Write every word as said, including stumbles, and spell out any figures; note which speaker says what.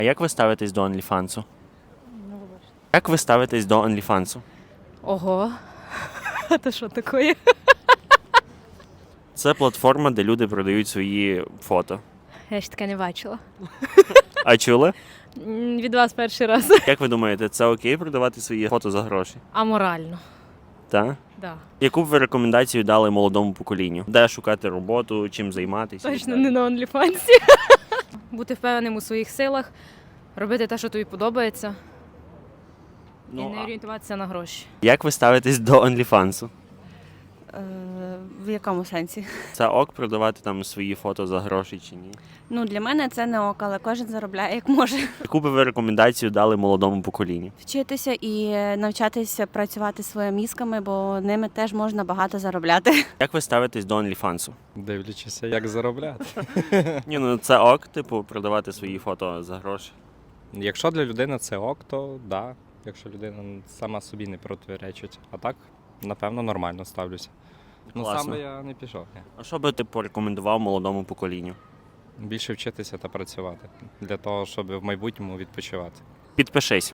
Speaker 1: А як ви ставитесь до OnlyFans? Як ви ставитесь до OnlyFans?
Speaker 2: Ого. Це що таке?
Speaker 1: Це платформа, де люди продають свої фото.
Speaker 2: Я ще таке не бачила.
Speaker 1: А чули?
Speaker 2: М, Від вас перший раз.
Speaker 1: Як ви думаєте, це окей продавати свої фото за гроші?
Speaker 2: Аморально.
Speaker 1: Так?
Speaker 2: Да.
Speaker 1: Яку б ви рекомендацію дали молодому поколінню? Де шукати роботу, чим займатися? і
Speaker 2: Точно
Speaker 1: так?
Speaker 2: не на OnlyFans. Бути впевненим у своїх силах, робити те, що тобі подобається, і
Speaker 1: Ну,
Speaker 2: не
Speaker 1: а
Speaker 2: орієнтуватися на гроші.
Speaker 1: як ви ставитесь до OnlyFans?
Speaker 3: Е, В якому сенсі?
Speaker 1: Це ок продавати там свої фото за гроші чи ні?
Speaker 3: Ну, для мене це не ок, але кожен заробляє як може.
Speaker 1: Яку би ви рекомендацію дали молодому поколінню?
Speaker 3: Вчитися і навчатися працювати своїми мізками, бо ними теж можна багато заробляти.
Speaker 1: Як ви ставитесь до OnlyFans?
Speaker 4: Дивлячися, як заробляти.
Speaker 1: Ні, ну це ок, типу, продавати свої фото за гроші.
Speaker 4: Якщо для людини це ок, то да. Якщо людина сама собі не протиречить. А так, напевно, нормально ставлюся. Ну, сам
Speaker 1: Класно.
Speaker 4: би я не пішов. Ні.
Speaker 1: А що би ти порекомендував молодому поколінню?
Speaker 4: Більше вчитися та працювати для того, щоб в майбутньому відпочивати.
Speaker 1: Підпишись.